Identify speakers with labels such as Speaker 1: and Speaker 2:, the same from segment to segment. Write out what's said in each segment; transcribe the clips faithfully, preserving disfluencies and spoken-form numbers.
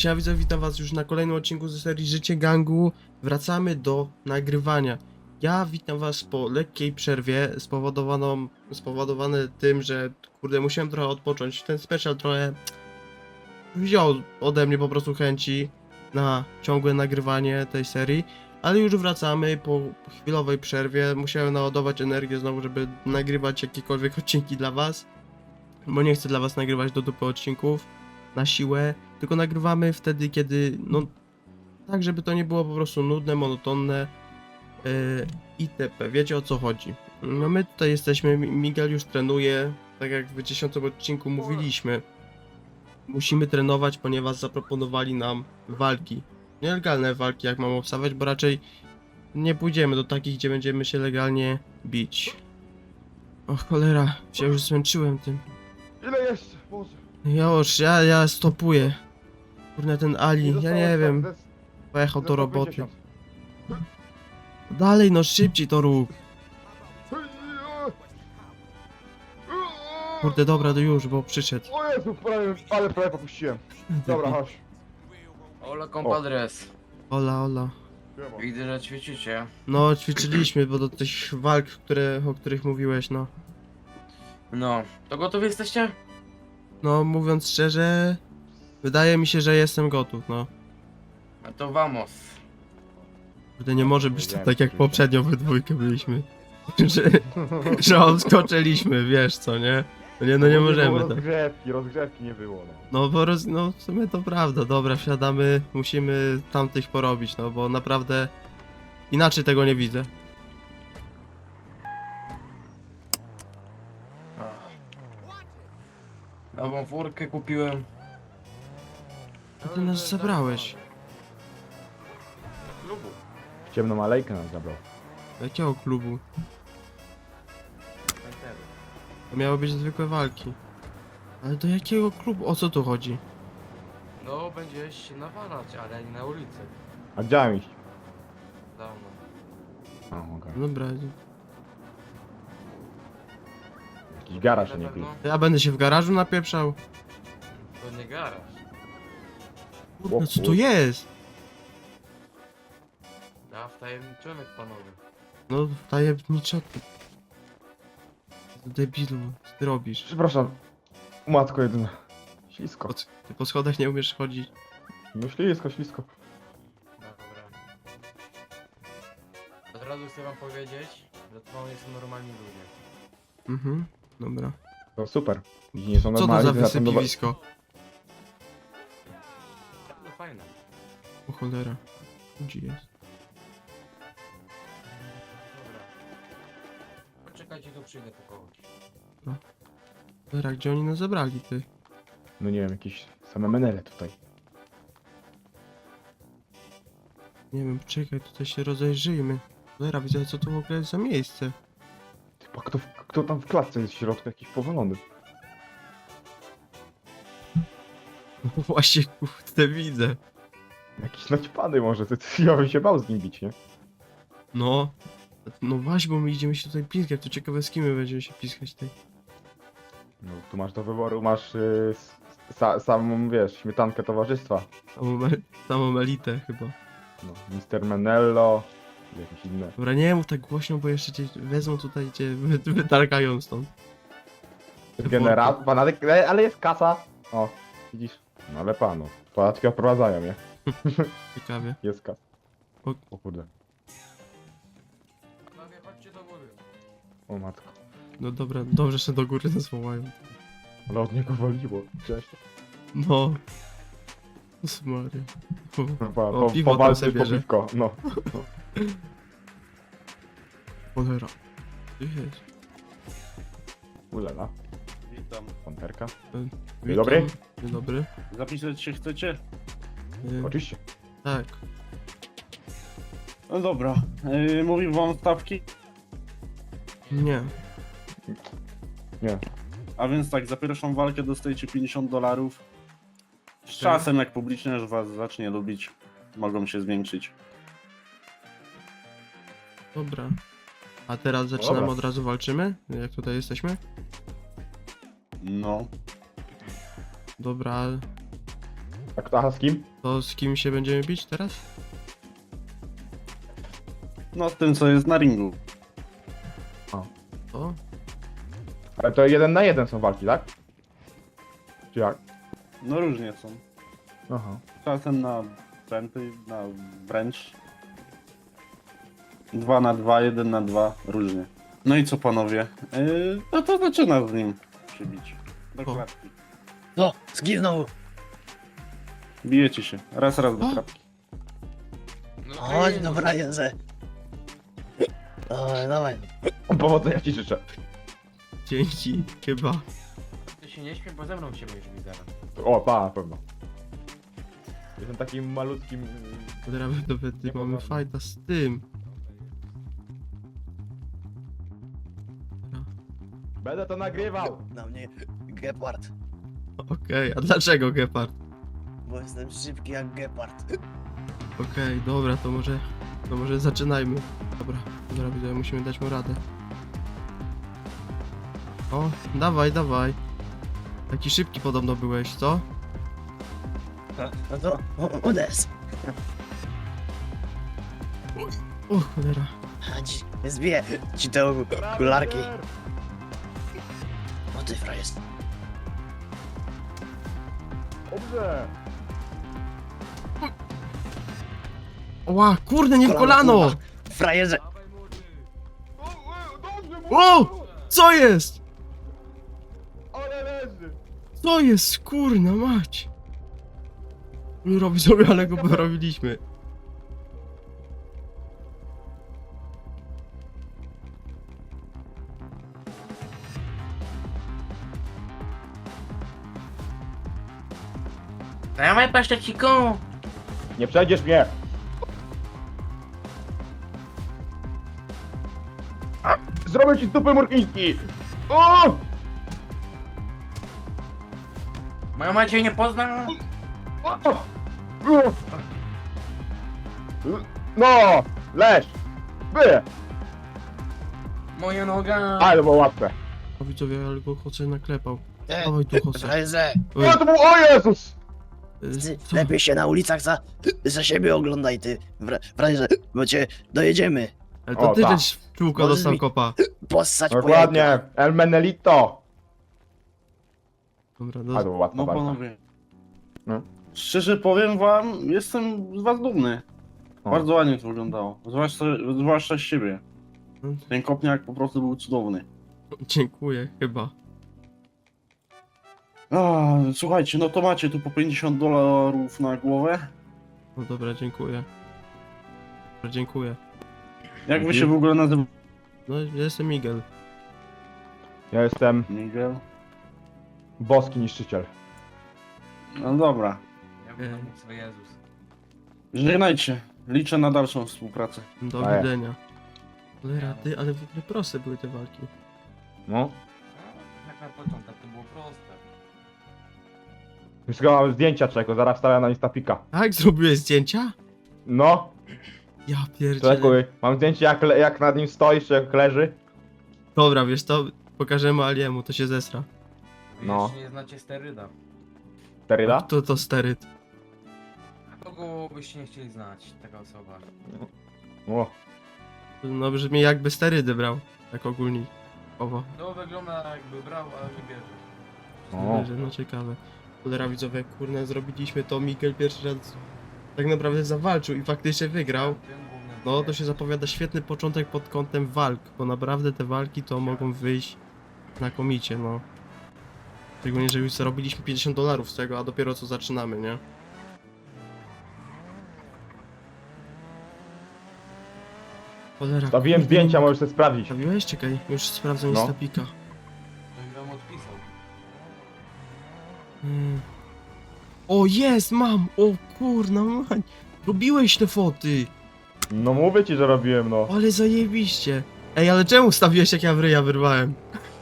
Speaker 1: Siema widzowie, witam was już na kolejnym odcinku ze serii Życie Gangu. Wracamy do nagrywania. Ja witam was po lekkiej przerwie spowodowaną, spowodowane tym, że kurde musiałem trochę odpocząć. Ten special trochę wziął ode mnie po prostu chęci na ciągłe nagrywanie tej serii. Ale już wracamy po chwilowej przerwie. Musiałem naładować energię znowu, żeby nagrywać jakiekolwiek odcinki dla was. Bo nie chcę dla was nagrywać do dupy odcinków na siłę, tylko nagrywamy wtedy, kiedy, no, tak żeby to nie było po prostu nudne, monotonne yy, itp. Wiecie o co chodzi. No my tutaj jesteśmy, Miguel już trenuje, tak jak w dziesiątym odcinku mówiliśmy. Musimy trenować, ponieważ zaproponowali nam walki. Nielegalne walki, jak mam obstawiać, bo raczej nie pójdziemy do takich, gdzie będziemy się legalnie bić. O cholera, się już zmęczyłem tym.
Speaker 2: Ile jeszcze? Boże.
Speaker 1: Ja już, ja, ja stopuję. Kurde, ten Ali, ja
Speaker 2: zostało
Speaker 1: nie
Speaker 2: tak,
Speaker 1: wiem,
Speaker 2: zes-
Speaker 1: pojechał do
Speaker 2: zestaw
Speaker 1: roboty.
Speaker 2: pięćdziesiąt.
Speaker 1: Dalej, no szybciej to rób. Kurde, dobra, to już, bo przyszedł.
Speaker 2: O Jezu, prawie, ale prawie popuściłem. Dobra, chodź.
Speaker 3: Hola compadres,
Speaker 1: Ola, ola.
Speaker 2: Siema.
Speaker 3: widzę, że ćwiczycie.
Speaker 1: No, ćwiczyliśmy, bo do tych walk, które, o których mówiłeś, no.
Speaker 3: No, to gotowi jesteście?
Speaker 1: No, mówiąc szczerze, wydaje mi się, że jestem gotów, no.
Speaker 3: No to vamos.
Speaker 1: Kurde, nie może być to
Speaker 2: Wiedziałem,
Speaker 1: tak jak
Speaker 2: że-
Speaker 1: poprzednio we dwójkę byliśmy. Że, że odskoczyliśmy, wiesz co, nie? No nie, no nie
Speaker 2: Bo było
Speaker 1: możemy tak.
Speaker 2: rozgrzewki, rozgrzewki nie było, no.
Speaker 1: No bo roz, no w sumie to prawda, dobra, wsiadamy, musimy tamtych porobić, no bo naprawdę inaczej tego nie widzę.
Speaker 3: Nową furkę kupiłem.
Speaker 1: To ty nas zabrałeś.
Speaker 3: Lubu.
Speaker 2: Ciemną alejkę nam zabrał.
Speaker 1: Do jakiego klubu? To miały być zwykłe walki. Ale do jakiego klubu? O co tu chodzi?
Speaker 3: No, będziesz się nawalać, ale nie na ulicy.
Speaker 2: A gdzie mam iść?
Speaker 3: Dawno.
Speaker 2: A, okej.
Speaker 1: No dobra,
Speaker 2: Jakiś garaż, a
Speaker 3: Na
Speaker 2: nie
Speaker 3: pewno?
Speaker 2: klub.
Speaker 1: ja będę się w garażu napieprzał.
Speaker 3: To nie garaż.
Speaker 1: Kurde, co to jest?
Speaker 3: Ja wtajemniczymy panowie.
Speaker 1: No tajemniczo. Debilu, co ty robisz?
Speaker 2: Przepraszam. Matko jedyna. Ślisko.
Speaker 1: Po, ty po schodach nie umiesz chodzić.
Speaker 2: No ślisko, ślisko.
Speaker 3: Dobra. Od razu chcę wam powiedzieć, że to nie są normalni ludzie.
Speaker 1: Mhm, dobra.
Speaker 2: To super. Dziś nie są
Speaker 1: Co to
Speaker 2: normalni,
Speaker 1: za
Speaker 2: to na pewno-
Speaker 1: wysypisko?
Speaker 3: No fajne.
Speaker 1: O cholera. Gdzie jest?
Speaker 3: Dobra. Poczekajcie, tu przyjdę po kogoś.
Speaker 1: Cholera, gdzie oni nas zabrali, ty?
Speaker 2: No nie wiem, jakieś same menele tutaj.
Speaker 1: Nie wiem, czekaj, tutaj się rozejrzyjmy. Cholera, widzę, co to w ogóle jest za miejsce.
Speaker 2: Typa, kto, w- kto tam w klatce jest w środku? Jakiś powalony.
Speaker 1: No właśnie, kurde, widzę.
Speaker 2: Jakiś naćpany może, to, to ja bym się bał z nim bić, nie?
Speaker 1: No. No właśnie, bo my idziemy się tutaj piskać, to ciekawe z kim my będziemy się piskać tutaj.
Speaker 2: No, tu masz do wyboru, masz yy, s- sa, samą, wiesz, śmietankę towarzystwa.
Speaker 1: Samą, me- samą elitę chyba.
Speaker 2: No, mister Menello i jakieś inne.
Speaker 1: Dobra, nie mów tak głośno, bo jeszcze cię wezmą tutaj, cię wy, wytargają stąd.
Speaker 2: Generat, fanatyk, ale ale jest kasa. O, widzisz? No ale panu, podatki odprowadzają, nie?
Speaker 1: Ciekawie.
Speaker 2: Jest kasa.
Speaker 1: O-
Speaker 2: O kurde,
Speaker 3: Panowie, chodźcie do góry.
Speaker 2: o matko.
Speaker 1: No dobra, dobrze, że do góry nas wołają.
Speaker 2: Ale od niego waliło. Cześć.
Speaker 1: No. Jezus Maria. O,
Speaker 2: Po, po,
Speaker 1: O,
Speaker 2: po,
Speaker 1: piwo
Speaker 2: po
Speaker 1: tam
Speaker 2: walce
Speaker 1: sobie
Speaker 2: po
Speaker 1: bierze.
Speaker 2: piwko, no.
Speaker 1: cholera. Gdzie jest?
Speaker 2: Ulala,
Speaker 4: Witam.
Speaker 2: panterka.
Speaker 1: Witam.
Speaker 2: dobry.
Speaker 1: Dzień dobry.
Speaker 4: Zapisać się chcecie?
Speaker 1: Y,
Speaker 2: Oczywiście.
Speaker 1: tak.
Speaker 4: No dobra. Yy, mówił wam stawki?
Speaker 1: Nie.
Speaker 2: Nie.
Speaker 4: A więc tak, za pierwszą walkę dostajecie pięćdziesiąt dolarów. Z czasem, jak publiczność was zacznie lubić, mogą się zwiększyć.
Speaker 1: Dobra. A teraz zaczynamy
Speaker 2: Dobra.
Speaker 1: od razu walczymy? Jak tutaj jesteśmy?
Speaker 4: No.
Speaker 1: Dobra.
Speaker 2: A kto, a z kim?
Speaker 1: To z kim się będziemy bić teraz?
Speaker 4: No z tym co jest na ringu.
Speaker 1: O,
Speaker 2: Ale to jeden na jeden są walki, tak? Czy jak?
Speaker 4: No różnie są.
Speaker 2: Aha.
Speaker 4: Czasem na pręty, na wręcz. Dwa na dwa, jeden na dwa, różnie. No i co panowie? Yy, no to zaczyna z nim przybić. Do
Speaker 1: O.
Speaker 4: klatki.
Speaker 3: No, zginął.
Speaker 4: Bijecie się. Raz, raz do
Speaker 1: O.
Speaker 4: klatki.
Speaker 3: Chodź, dobra, Jeze. Dawaj, dawaj.
Speaker 2: Powodzenia ci życzę.
Speaker 1: dzięki, chyba.
Speaker 3: Ty się nie śmiej, bo ze mną się będziesz bić zaraz.
Speaker 2: O, pa, na pewno. Jestem takim malutkim...
Speaker 1: Teraz dowiedzmy,
Speaker 2: Nie
Speaker 1: mamy
Speaker 2: podobno.
Speaker 1: fajta z tym.
Speaker 2: Będę to nagrywał!
Speaker 3: Na mnie gepard.
Speaker 1: Okej, a dlaczego Gepard?
Speaker 3: Bo jestem szybki jak gepard.
Speaker 1: Okej, dobra, to może, to może zaczynajmy. Dobra, dobra, widzę, musimy dać mu radę. O, dawaj, dawaj. Taki szybki podobno byłeś, co?
Speaker 3: No to uderz.
Speaker 1: O, cholera.
Speaker 3: Chodź, zbiję ci te okularki. No ty frajes.
Speaker 2: Dobrze!
Speaker 1: Ła, kurde, nie w kolano!
Speaker 3: Frajerze.
Speaker 1: O! Co jest?
Speaker 2: Ale leży!
Speaker 1: Co jest, kurna mać? Nie robi sobie, ale go porobiliśmy.
Speaker 3: Dawaj paszteciku.
Speaker 2: Nie przejdziesz mnie! Zrobię ci z dupy murkiński! O!
Speaker 3: Moja mać jej nie pozna.
Speaker 2: No! Leż! By!
Speaker 3: Moja noga.
Speaker 2: Ale to było łatwe.
Speaker 1: O widzowie, ale go Jose naklepał.
Speaker 3: E,
Speaker 1: Dawaj tu Jose.
Speaker 3: Frajerze.
Speaker 2: O, to był... O Jezus!
Speaker 1: Y,
Speaker 3: Ty
Speaker 1: co?
Speaker 3: lepiej się na ulicach za, za siebie oglądaj, ty. Fra- Frajerze, bo cię dojedziemy.
Speaker 1: Ale to
Speaker 2: O,
Speaker 1: ty
Speaker 2: tak.
Speaker 1: też w czółko
Speaker 3: Możesz
Speaker 1: dostał
Speaker 3: mi-
Speaker 1: kopa.
Speaker 3: Possać po
Speaker 2: Dokładnie!
Speaker 3: jajkach.
Speaker 2: El Menelito!
Speaker 1: Dobra,
Speaker 2: Ale to
Speaker 1: do...
Speaker 2: była łatwa
Speaker 4: No
Speaker 2: walka.
Speaker 4: panowie.
Speaker 2: No.
Speaker 4: Szczerze powiem wam, jestem z was dumny.
Speaker 2: O.
Speaker 4: Bardzo ładnie to wyglądało. Zwłaszcza, zwłaszcza z siebie.
Speaker 1: No,
Speaker 4: Ten kopniak po prostu był cudowny.
Speaker 1: dziękuję, chyba.
Speaker 4: A, słuchajcie, no to macie tu po pięćdziesiąt dolarów na głowę.
Speaker 1: No dobra, dziękuję. Dobra, dziękuję.
Speaker 4: Jak wy
Speaker 2: Dzięki.
Speaker 4: się w ogóle nazywacie?
Speaker 1: No, ja jestem Miguel.
Speaker 2: Ja jestem
Speaker 4: Miguel?
Speaker 2: boski niszczyciel.
Speaker 4: No dobra.
Speaker 3: Ja
Speaker 1: bym
Speaker 3: bym sobie Jezus.
Speaker 4: Żegnajcie. Liczę na dalszą współpracę.
Speaker 1: Do
Speaker 2: Daję.
Speaker 1: widzenia. Cholera, ty, ale w ogóle proste były te walki.
Speaker 2: No.
Speaker 3: Jak na początek to było proste.
Speaker 2: Już chyba mam zdjęcia czego, zaraz wstawiam na Instapika.
Speaker 1: Tak, zrobiłeś zdjęcia?
Speaker 2: No,
Speaker 1: Ja pierdzielę.
Speaker 2: czekuj. Mam zdjęcie jak, le- jak nad nim stoisz, czy jak leży.
Speaker 1: Dobra, wiesz to pokażemy Aliemu, to się zesra.
Speaker 2: No.
Speaker 3: Jeszcze nie znacie steryda.
Speaker 2: Teryda?
Speaker 1: To to steryt.
Speaker 3: Kogo byście nie chcieli znać, taka osoba?
Speaker 2: O,
Speaker 1: No brzmi jakby sterydy brał. Tak ogólnie. Owo.
Speaker 3: No wygląda jakby brał, ale nie bierze.
Speaker 2: o.
Speaker 1: Dobrze, no ciekawe. Cholera widzowie, kurna, zrobiliśmy to. Miguel pierwszy raz tak naprawdę zawalczył i faktycznie wygrał.
Speaker 3: Ten główny
Speaker 1: No to
Speaker 3: zbieg.
Speaker 1: się zapowiada świetny początek pod kątem walk, bo naprawdę te walki to mogą wyjść znakomicie, no. Szczególnie, że już zarobiliśmy pięćdziesiąt dolarów z tego, a dopiero co zaczynamy, nie? Cholera.
Speaker 2: Stawiłem
Speaker 1: kurde,
Speaker 2: zdjęcia,
Speaker 1: nie
Speaker 2: możesz sobie sprawdzić.
Speaker 1: Stawiłeś? Czekaj, już sprawdzę
Speaker 2: No.
Speaker 1: Instapika.
Speaker 3: Ktoś wam odpisał.
Speaker 1: Hmm. O, jest, mam! O kurna, mań! Robiłeś te foty!
Speaker 2: No mówię ci, że robiłem, no.
Speaker 1: Ale zajebiście! Ej, ale czemu stawiłeś jak ja w ryja wyrwałem?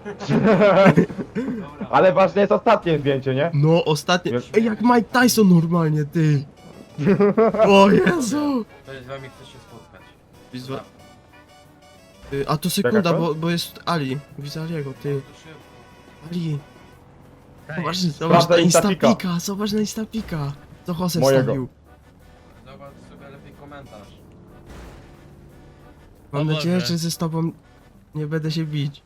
Speaker 3: Dobra.
Speaker 2: Ale ważne jest ostatnie zdjęcie, nie?
Speaker 1: No, ostatnie...
Speaker 2: Wiesz-
Speaker 1: Ej, jak Mike Tyson normalnie, ty! O Jezu!
Speaker 3: To jest z wami chce się spotkać.
Speaker 1: Wizwa... Y, A to sekunda,
Speaker 2: Czeka,
Speaker 1: bo, bo jest Ali. Widzę Aliego, ty.
Speaker 3: To szybko.
Speaker 1: Ali.
Speaker 3: Hej.
Speaker 1: Zobacz, zobacz na
Speaker 2: Sprawdzaj Instapika.
Speaker 1: Instapika, zobacz na Instapika. Co Jose
Speaker 2: Mojego.
Speaker 1: wstawił?
Speaker 5: Zobacz sobie lepiej komentarz.
Speaker 1: Mam
Speaker 6: O
Speaker 1: nadzieję,
Speaker 6: Boże.
Speaker 1: że ze z tobą nie będę się bić.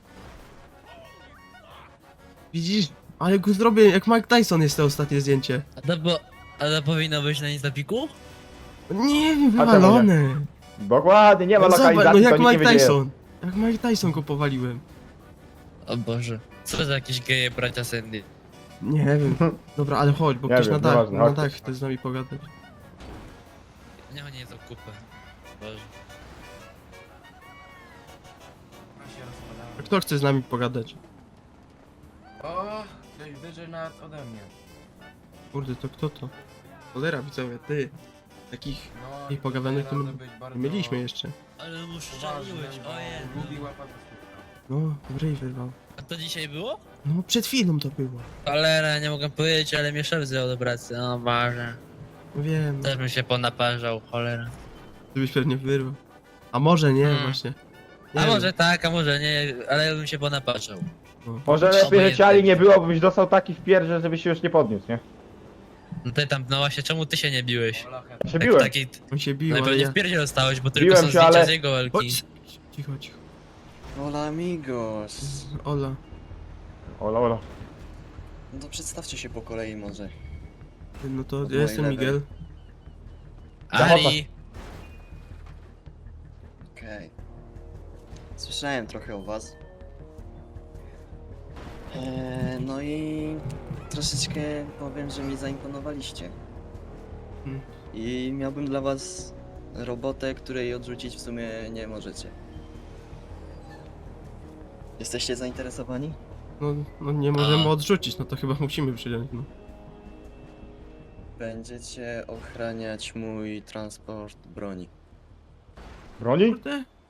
Speaker 1: Widzisz? Ale go zrobię jak Mike Tyson jest to ostatnie zdjęcie.
Speaker 6: A to, bo, a to powinno być na Instapiku?
Speaker 1: Nie wiem,
Speaker 2: A czemu
Speaker 1: wywalone.
Speaker 2: Dokładnie, nie ma
Speaker 1: No zobacz,
Speaker 2: lokalizacji,
Speaker 1: no jak
Speaker 2: to nikt nie
Speaker 1: Mike
Speaker 2: wie, gdzie
Speaker 1: Tyson. Jak Mike Tyson go powaliłem.
Speaker 6: O Boże. Co za jakieś geje bracia Sandy?
Speaker 1: Nie wiem. Dobra, ale chodź, bo
Speaker 2: Nie
Speaker 1: ktoś
Speaker 2: wiem,
Speaker 1: na dach,
Speaker 2: nieważne,
Speaker 1: na
Speaker 2: chodź.
Speaker 1: dach chce z nami pogadać.
Speaker 6: Nie, nie jedzą kupę. Boże.
Speaker 5: A się rozpadamy.
Speaker 1: A kto chce z nami pogadać?
Speaker 5: O, ktoś wyżej nawet ode mnie.
Speaker 1: Kurde, to kto to? Cholera, widzowie, ty. Takich
Speaker 5: No,
Speaker 1: I
Speaker 5: i
Speaker 1: pogawędnych
Speaker 5: tutaj
Speaker 1: to
Speaker 5: radzę
Speaker 1: my
Speaker 5: być bardzo
Speaker 1: nie mieliśmy jeszcze.
Speaker 6: Ale mu
Speaker 5: uważnym,
Speaker 6: szczeliłeś,
Speaker 5: bo
Speaker 6: ojej.
Speaker 5: lubi łapać słówka.
Speaker 1: No, Ray wyrwał.
Speaker 6: A to dzisiaj było?
Speaker 1: No, przed chwilą to było.
Speaker 6: Cholera, nie mogę powiedzieć, ale mnie szef wziął do pracy. O Boże.
Speaker 1: Wiem,
Speaker 6: Też bym się ponaparzał, cholera.
Speaker 1: ty byś pewnie wyrwał. A może nie,
Speaker 6: Hmm.
Speaker 1: właśnie. Nie
Speaker 6: A
Speaker 1: wiem.
Speaker 6: może tak, a może nie, ale ja bym się ponaparzał.
Speaker 1: No.
Speaker 2: Może lepiej, że
Speaker 6: Obojętnie.
Speaker 2: ciali nie było, byś dostał taki wpierże, żeby się już nie podniósł, nie?
Speaker 6: No ty tam, no właśnie, czemu ty się nie biłeś?
Speaker 5: Ola, chętnie.
Speaker 2: Ja się
Speaker 6: Jak
Speaker 2: biłem.
Speaker 6: taki,
Speaker 1: On się bił, ale
Speaker 6: najpewniej
Speaker 1: ja...
Speaker 6: w pierdzie dostałeś, bo tylko
Speaker 2: Biłem
Speaker 6: są
Speaker 2: się,
Speaker 6: zdjęcia
Speaker 2: ale-
Speaker 6: z jego walki.
Speaker 1: Chodź, cicho, cicho.
Speaker 3: Hola amigos.
Speaker 1: Ola.
Speaker 2: Ola, ola.
Speaker 3: No to przedstawcie się po kolei może.
Speaker 1: No to
Speaker 3: Od
Speaker 1: ja
Speaker 3: mojej
Speaker 1: jestem
Speaker 3: lewej.
Speaker 1: Miguel.
Speaker 6: Ali!
Speaker 3: Okej. Słyszałem trochę o was. Eee, no i troszeczkę powiem, że mi zaimponowaliście.
Speaker 1: Hmm.
Speaker 3: I miałbym dla was robotę, której odrzucić w sumie nie możecie. Jesteście zainteresowani?
Speaker 1: No, no nie możemy
Speaker 6: A.
Speaker 1: odrzucić, no to chyba musimy przyjąć, no.
Speaker 3: Będziecie ochraniać mój transport broni.
Speaker 2: Broni?
Speaker 1: Kurde,